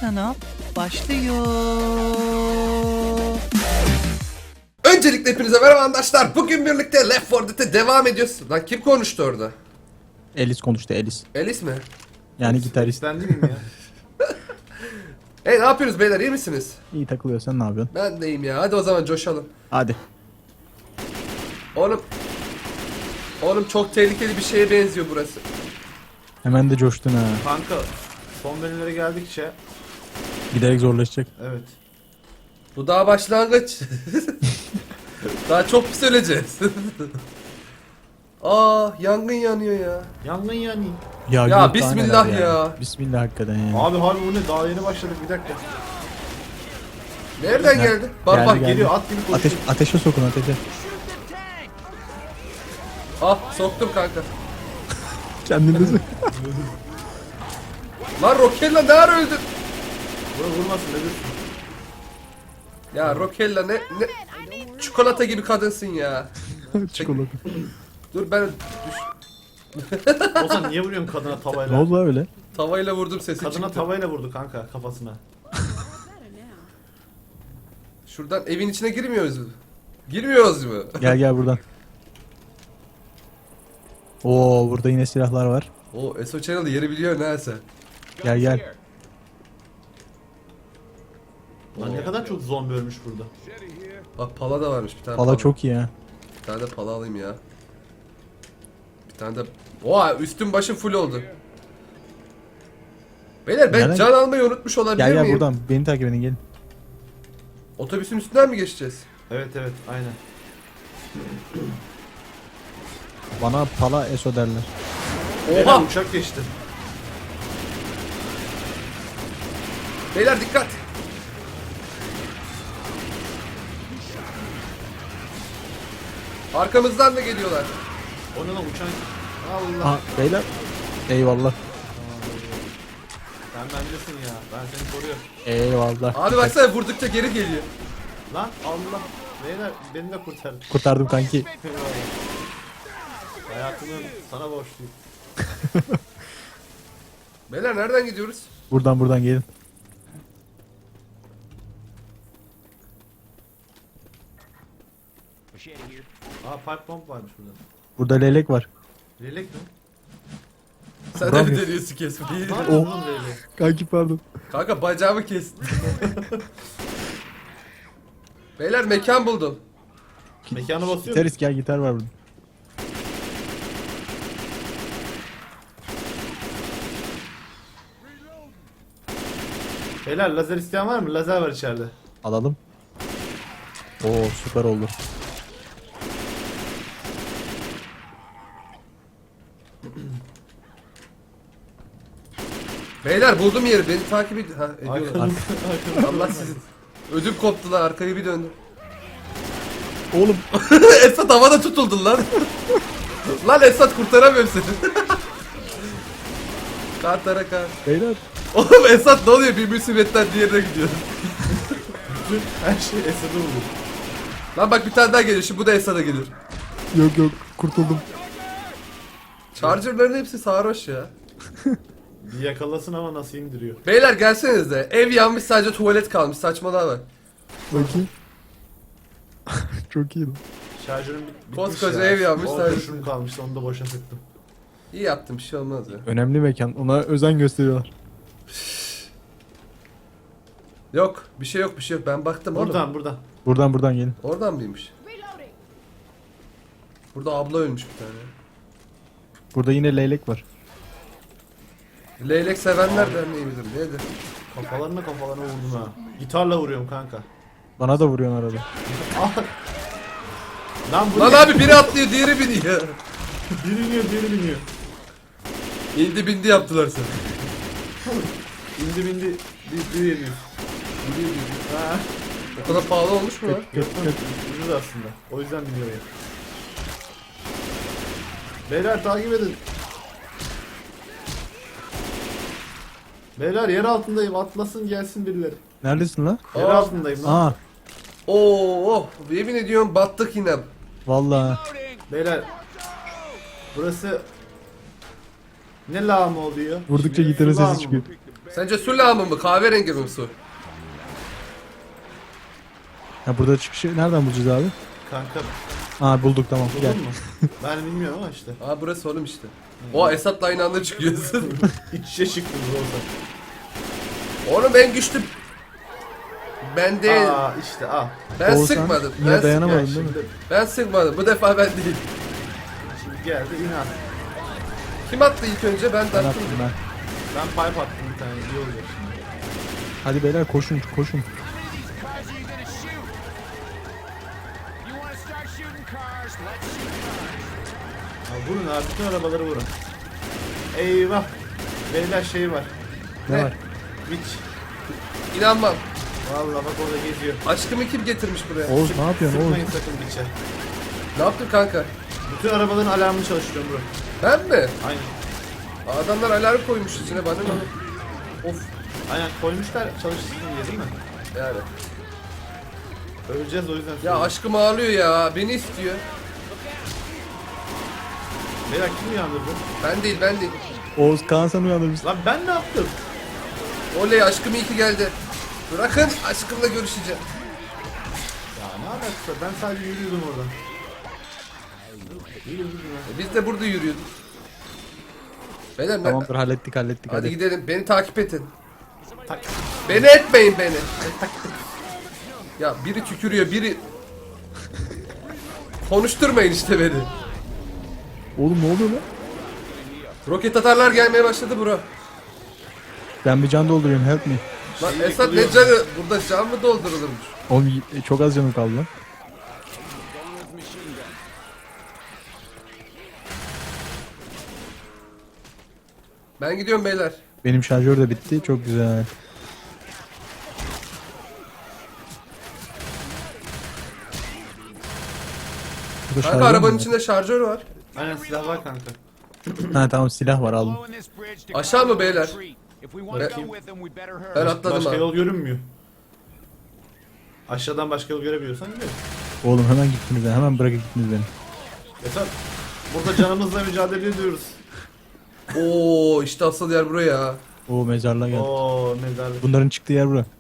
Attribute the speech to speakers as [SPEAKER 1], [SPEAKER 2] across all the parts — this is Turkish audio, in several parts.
[SPEAKER 1] kanal başlıyor.
[SPEAKER 2] Öncelikle hepinize merhaba arkadaşlar. Bugün birlikte Left 4 Dead'e devam ediyoruz. Lan kim konuştu orada?
[SPEAKER 3] Elis konuştu, Elis.
[SPEAKER 2] Elis mi?
[SPEAKER 3] Yani gitarist.
[SPEAKER 4] Ben değilim ya.
[SPEAKER 2] Hey, ne yapıyorsunuz beyler, iyi misiniz?
[SPEAKER 3] İyi takılıyor, sen ne yapıyorsun?
[SPEAKER 2] Ben de iyiyim ya. Hadi o zaman coşalım.
[SPEAKER 3] Hadi.
[SPEAKER 2] Oğlum çok tehlikeli bir şeye benziyor burası.
[SPEAKER 3] Hemen de coştun ha.
[SPEAKER 4] Kanka son bölümlere geldikçe
[SPEAKER 3] Giderek zorlaşacak.
[SPEAKER 4] evet.
[SPEAKER 2] Bu daha başlangıç. Daha çok pis öleceğiz. Aa, yangın yanıyor ya.
[SPEAKER 4] Yangın yani.
[SPEAKER 3] Ya,
[SPEAKER 2] Ya
[SPEAKER 3] yok daha
[SPEAKER 2] bismillah
[SPEAKER 3] neler
[SPEAKER 2] ya.
[SPEAKER 3] Bismillah hakikaten ya.
[SPEAKER 4] Abi harbi bu ne? Daha yeni başladık, bir dakika.
[SPEAKER 2] Nereden
[SPEAKER 3] Ne?
[SPEAKER 2] geldi? Bak
[SPEAKER 3] Geldi,
[SPEAKER 2] bak
[SPEAKER 3] geldi.
[SPEAKER 4] Geliyor at gibi koşuyor.
[SPEAKER 3] Ateşe sokun, ateşe.
[SPEAKER 2] Ah, soktum kanka.
[SPEAKER 3] Kendinizi.
[SPEAKER 2] Lan Rokella ne ara öldün?
[SPEAKER 4] Buna vurmasın ne diyorsun?
[SPEAKER 2] Ya Rokella ne çikolata gibi kadınsın ya.
[SPEAKER 3] Çikolata.
[SPEAKER 2] Dur ben
[SPEAKER 4] Ozan niye vuruyorsun kadına
[SPEAKER 3] Ne
[SPEAKER 4] tavayla?
[SPEAKER 3] oldu lan öyle?
[SPEAKER 2] tavayla vurdum, sesi
[SPEAKER 4] Kadına
[SPEAKER 2] çıktı.
[SPEAKER 4] tavayla vurdu kanka kafasına.
[SPEAKER 2] Şuradan evin içine girmiyoruz mu? Girmiyoruz mu?
[SPEAKER 3] Gel buradan. Oo, burada yine silahlar var.
[SPEAKER 2] O SO Channel yeri biliyor neyse.
[SPEAKER 3] Gel.
[SPEAKER 4] Lan ne kadar çok zombi ölmüş burada.
[SPEAKER 2] Bak pala da varmış bir tane.
[SPEAKER 3] Valla çok iyi ha.
[SPEAKER 2] Bir tane de pala alayım ya. Bir tane de... Oha, üstüm başım full oldu. Beyler ben
[SPEAKER 3] Nereden-
[SPEAKER 2] can almayı unutmuş olabilir
[SPEAKER 3] Gel
[SPEAKER 2] miyim?
[SPEAKER 3] buradan. Beni takip edin, gelin.
[SPEAKER 2] Otobüsün üstünden mi geçeceğiz?
[SPEAKER 4] Evet aynen.
[SPEAKER 3] Bana pala eso derler.
[SPEAKER 4] Beyler
[SPEAKER 2] Oha!
[SPEAKER 4] uçak geçti.
[SPEAKER 2] Beyler dikkat! Arkamızdan da geliyorlar.
[SPEAKER 4] O ne lan uçan? Allah.
[SPEAKER 3] Aha, beyler. Eyvallah.
[SPEAKER 4] Sen bendesin ya. Ben seni koruyorum.
[SPEAKER 3] Eyvallah.
[SPEAKER 2] Abi baksana, vurdukça geri geliyor.
[SPEAKER 4] Lan Allah. Beyler beni de kurtar.
[SPEAKER 3] Kurtardım kanki.
[SPEAKER 4] Hayatımı sana borçluyum.
[SPEAKER 2] Beyler nereden gidiyoruz?
[SPEAKER 3] Buradan gelin.
[SPEAKER 4] Aa pipe bomb varmış burada.
[SPEAKER 3] Burada leylek var.
[SPEAKER 4] Lelek mi?
[SPEAKER 2] Sen de mi
[SPEAKER 3] Vuramıyor.
[SPEAKER 2] deniyorsun kesmeyi?
[SPEAKER 4] Var
[SPEAKER 3] Oh.
[SPEAKER 4] mı oğlum lelek?
[SPEAKER 3] Kanki pardon.
[SPEAKER 2] Kanka bacağımı kestin. Beyler mekan buldum.
[SPEAKER 4] Mekanı basıyor mu?
[SPEAKER 3] Gitarist gel, gitar var burada.
[SPEAKER 4] Beyler lazer isteyen var mı? Lazer var içeride.
[SPEAKER 3] Alalım. Oo, süper oldu.
[SPEAKER 2] Beyler buldum yeri, beni takip edin. Ha, ediyorlar.
[SPEAKER 4] Arkanızda.
[SPEAKER 2] Allah sizin. Ödüm koptu lan, arkayı bir döndüm.
[SPEAKER 3] Oğlum.
[SPEAKER 2] Esat havada tutuldun lan. Lan Esat, kurtaramıyorum seni. Kantara kar.
[SPEAKER 3] Beyler.
[SPEAKER 2] Oğlum Esat ne oluyor, bir musibetten diğerine gidiyor.
[SPEAKER 4] Her şey Esad'ı vurdu.
[SPEAKER 2] Lan bak bir tane daha geliyor, şimdi bu da Esat'a gelir.
[SPEAKER 3] Yok kurtuldum.
[SPEAKER 2] Charger'ların hepsi sarhoş ya.
[SPEAKER 4] Bir yakalasın ama nasıl indiriyor.
[SPEAKER 2] Beyler gelsenize, ev yanmış, sadece tuvalet kalmış, saçmalığa bak.
[SPEAKER 3] Bakayım. Çok iyi lan.
[SPEAKER 4] Şarjörüm bitmiş
[SPEAKER 2] Koskoca
[SPEAKER 4] ya.
[SPEAKER 2] ev yanmış,
[SPEAKER 4] 10
[SPEAKER 2] sadece-
[SPEAKER 4] kurşunum kalmıştı, onu da boşa sıktım.
[SPEAKER 2] İyi yaptım, bir şey olmaz ya.
[SPEAKER 3] Önemli mekan. Ona özen gösteriyorlar.
[SPEAKER 2] Yok bir şey yok, ben baktım oğlum.
[SPEAKER 4] Buradan.
[SPEAKER 3] Buradan gelin.
[SPEAKER 2] Oradan mıymış? Burada abla ölmüş bir tane.
[SPEAKER 3] Burada yine leylek var.
[SPEAKER 2] Leylek sevenler derneği midir nedir?
[SPEAKER 4] Kafalarına vurdum ha. Gitarla vuruyorum kanka.
[SPEAKER 3] Bana da vuruyorsun arada.
[SPEAKER 4] Lan bu
[SPEAKER 2] Lan
[SPEAKER 4] ne?
[SPEAKER 2] abi, biri atlıyor diğeri biniyor.
[SPEAKER 4] Biri biniyor.
[SPEAKER 2] İndi bindi yaptılar seni.
[SPEAKER 4] İndi bindi. Bir yeniyor. Ha.
[SPEAKER 2] O kadar pahalı olmuş mu lan?
[SPEAKER 4] Ucuz aslında. O yüzden biniyor ya. Beyler takip edin. Beyler yer altındayım. Atlasın gelsin birileri.
[SPEAKER 3] Neredesin lan?
[SPEAKER 4] Yer
[SPEAKER 2] Aa.
[SPEAKER 4] altındayım lan.
[SPEAKER 3] Aa,
[SPEAKER 2] Oo, yemin ediyorum battık yine.
[SPEAKER 3] vallahi.
[SPEAKER 4] Beyler. Burası ne lağım oluyor?
[SPEAKER 3] Vurdukça gitarın sesi çıkıyor.
[SPEAKER 2] Sence su lağımı mı? Kahverengi mi su?
[SPEAKER 3] Ya burada çıkışı nereden bulacağız abi?
[SPEAKER 4] Kanka
[SPEAKER 3] Aa bulduk tamam gel.
[SPEAKER 4] buldun mu? Ben bilmiyorum ama işte.
[SPEAKER 2] Aa burası oğlum işte. O Esat'la aynı anda çıkıyorsun.
[SPEAKER 4] İç içe çıktınız orada.
[SPEAKER 2] Oğlum en güçlü ben değil.
[SPEAKER 4] Aa işte
[SPEAKER 2] Ben
[SPEAKER 3] Oğuzhan,
[SPEAKER 2] sıkmadım.
[SPEAKER 3] yine
[SPEAKER 2] Ben,
[SPEAKER 3] dayanamadın
[SPEAKER 4] Gel
[SPEAKER 3] değil mi?
[SPEAKER 4] şimdi,
[SPEAKER 2] ben sıkmadım. Bu defa ben değil.
[SPEAKER 4] şimdi geldi inan.
[SPEAKER 2] Kim attı ilk önce? Ben de
[SPEAKER 3] Ben
[SPEAKER 2] attım.
[SPEAKER 3] attım ben.
[SPEAKER 4] Ben pipe attım bir tane iyi olacak şimdi.
[SPEAKER 3] Hadi beyler koşun koşun.
[SPEAKER 4] Ya vurun abi bütün arabaları vurun. Eyvah. Beyler şey var.
[SPEAKER 3] Ne var?
[SPEAKER 4] Witch.
[SPEAKER 2] İnanmam.
[SPEAKER 4] Vallahi bak orada geziyor.
[SPEAKER 2] Aşkımı kim getirmiş buraya?
[SPEAKER 3] Oğuz ne yapıyorsun Oğuz?
[SPEAKER 4] Sıkmayın sakın Witch'e.
[SPEAKER 2] Ne yaptın kanka?
[SPEAKER 4] Bütün arabaların alarmını çalıştırıyorum bro.
[SPEAKER 2] Ben mi?
[SPEAKER 4] Aynen.
[SPEAKER 2] Adamlar alarm koymuş içine bana ne? Of
[SPEAKER 4] Aynen koymuşlar çalışsın diye değil mi?
[SPEAKER 2] yani.
[SPEAKER 4] Öleceğiz o yüzden.
[SPEAKER 2] Ya
[SPEAKER 4] söylüyorum.
[SPEAKER 2] aşkım ağlıyor ya. Beni istiyor.
[SPEAKER 4] Beyler kim uyandırdı?
[SPEAKER 2] Ben değil.
[SPEAKER 3] Oğuz Kaan sen uyandırmışsın.
[SPEAKER 4] Lan ben ne yaptım?
[SPEAKER 2] Oley aşkım iyi ki geldi. Bırakın aşkımla görüşeceğim.
[SPEAKER 4] Ya ne alakası? Ben sadece yürüyordum oradan. Yürüyordum ya.
[SPEAKER 2] Biz de burada yürüyorduk. Beyler
[SPEAKER 3] Tamamdır hallettik
[SPEAKER 2] hadi gidelim. Beni takip edin.
[SPEAKER 4] Tak.
[SPEAKER 2] Beni etmeyin beni. Ya biri tükürüyor, biri konuşturmayın işte beni.
[SPEAKER 3] Oğlum ne oluyor lan?
[SPEAKER 2] Roket atarlar gelmeye başladı bro.
[SPEAKER 3] Ben bir can dolduruyorum help me.
[SPEAKER 2] Lan
[SPEAKER 4] Şeyi
[SPEAKER 2] Esat ne
[SPEAKER 4] yıkılıyor.
[SPEAKER 2] canı? Burada can mı doldurulurmuş?
[SPEAKER 3] Oğlum çok az canım kaldı lan.
[SPEAKER 2] Ben gidiyorum beyler.
[SPEAKER 3] Benim şarjör de bitti çok güzel. Burada
[SPEAKER 2] Kanka
[SPEAKER 3] şarjör mü
[SPEAKER 2] arabanın
[SPEAKER 3] var?
[SPEAKER 2] içinde şarjör var.
[SPEAKER 4] Aynen silah var kanka.
[SPEAKER 3] Ha tamam silah var aldım.
[SPEAKER 2] Aşağı mı beyler? Ben atladım
[SPEAKER 4] Başka
[SPEAKER 2] abi.
[SPEAKER 4] yol görünmüyor. Aşağıdan başka yol görebiliyorsan gidelim.
[SPEAKER 3] Oğlum hemen gittiniz beni hemen bırakıp gittiniz beni.
[SPEAKER 4] Esat burada canımızla mücadele ediyoruz.
[SPEAKER 2] Oo işte asıl yer buraya.
[SPEAKER 3] Oo mezarlığa geldik.
[SPEAKER 4] Oo mezarlık.
[SPEAKER 3] Bunların çıktığı yer bura.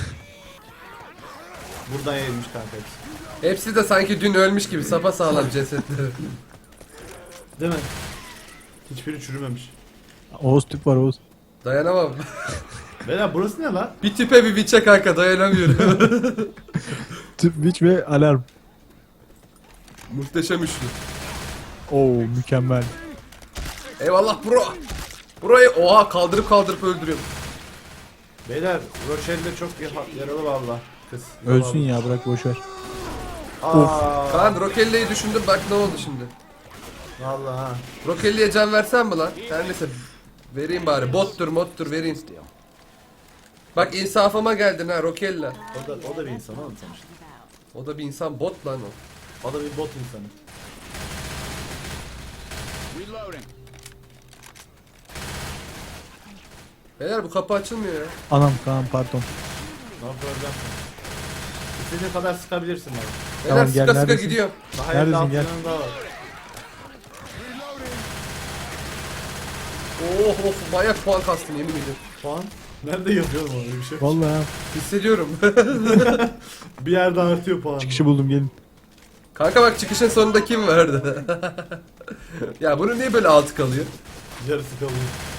[SPEAKER 4] Buradan yayılmış kanka hepsi.
[SPEAKER 2] Hepsi de sanki dün ölmüş gibi sapasağlam cesetleri.
[SPEAKER 4] Değil mi? Hiçbiri çürümemiş.
[SPEAKER 3] Oğuz tüp var Oğuz.
[SPEAKER 2] Dayanamam.
[SPEAKER 4] Beyler burası ne lan?
[SPEAKER 2] Bir tüpe bir biçe kanka dayanamıyorum.
[SPEAKER 3] Tüp biç ve alarm.
[SPEAKER 2] Muhteşem üçlü.
[SPEAKER 3] Oo mükemmel.
[SPEAKER 2] Eyvallah bro. Burayı oha kaldırıp öldürüyorum.
[SPEAKER 4] Beyler Rochelle'de çok yaralı valla. Kız.
[SPEAKER 3] Ölsün ya bırak boşver.
[SPEAKER 4] Aa,
[SPEAKER 2] Ben Rokelli'yi düşündüm bak ne oldu şimdi.
[SPEAKER 4] valla ha.
[SPEAKER 2] Rokelli'ye can versem mi lan? Her neyse vereyim bari. Bottur vereyim. Bak insafıma geldin ha Rokella.
[SPEAKER 4] O da bir insan oğlum sonuçta.
[SPEAKER 2] O da bir insan bot lan o.
[SPEAKER 4] O da bir bot insanı.
[SPEAKER 2] Beyler bu kapı açılmıyor ya.
[SPEAKER 3] Anam Kaan pardon.
[SPEAKER 4] Ne problem? İstediğin kadar sıkabilirsin abi.
[SPEAKER 2] Beyler
[SPEAKER 3] Tamam, gel,
[SPEAKER 2] sıka
[SPEAKER 3] neredesin?
[SPEAKER 2] gidiyor.
[SPEAKER 4] Daha
[SPEAKER 3] Neredesin,
[SPEAKER 4] elde
[SPEAKER 3] gel.
[SPEAKER 4] altından daha var.
[SPEAKER 2] Oh of bayağı puan kastım yemin ediyorum.
[SPEAKER 4] Puan? Nerede yapıyorum onu öyle bir şey?
[SPEAKER 3] Vallahi ha.
[SPEAKER 2] Hissediyorum.
[SPEAKER 4] Bir yerde artıyor puan.
[SPEAKER 3] Çıkışı buldum gelin.
[SPEAKER 2] Kanka bak çıkışın sonunda kim vardı? Ya bunun niye böyle altı kalıyor?
[SPEAKER 4] Yarısı kalıyor.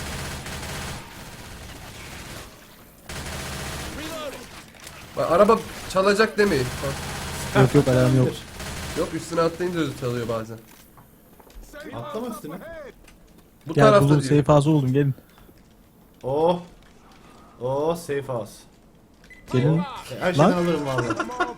[SPEAKER 2] Bak, araba çalacak demeyin. Bak,
[SPEAKER 3] Yok alarm yok.
[SPEAKER 2] yok üstüne atlayınca da çalıyor bazen.
[SPEAKER 4] Atlama üstüne.
[SPEAKER 2] Bu
[SPEAKER 3] Gel
[SPEAKER 2] tarafta
[SPEAKER 3] buldum
[SPEAKER 2] diyor.
[SPEAKER 3] safe house buldum gelin.
[SPEAKER 4] Oh. Oh safe house.
[SPEAKER 3] Gelin.
[SPEAKER 4] Her şeyden
[SPEAKER 3] Lan.
[SPEAKER 4] alırım valla.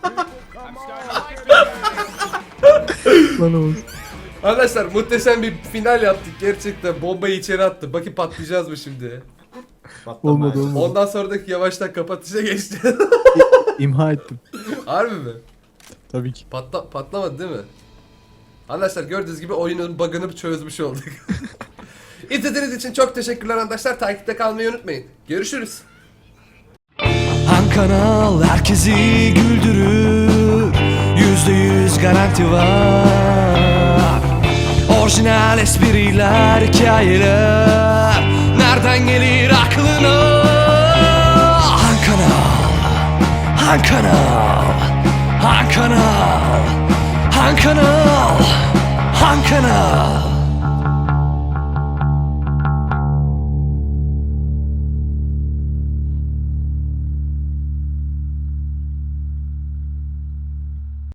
[SPEAKER 3] Lan Oğuz.
[SPEAKER 2] Arkadaşlar muhteşem bir final yaptık gerçekten. Bombayı içeri attı. Bakın patlayacağız mı şimdi?
[SPEAKER 3] Olmadı olmadı.
[SPEAKER 2] Ondan sonraki yavaştan kapatışa geçti.
[SPEAKER 3] İmha ettim.
[SPEAKER 2] Harbi mi?
[SPEAKER 3] Tabii ki.
[SPEAKER 2] Patlamadı değil mi? Arkadaşlar gördüğünüz gibi oyunun bug'ını çözmüş olduk. İzlediğiniz için çok teşekkürler arkadaşlar. Takipte kalmayı unutmayın. Görüşürüz.
[SPEAKER 1] Han kanal herkesi güldürür. %100 garanti var. Orijinal espriler, hikayeler. Nereden gelir aklına? Han Kanal, Han Kanal, Han Kanal, Han Kanal.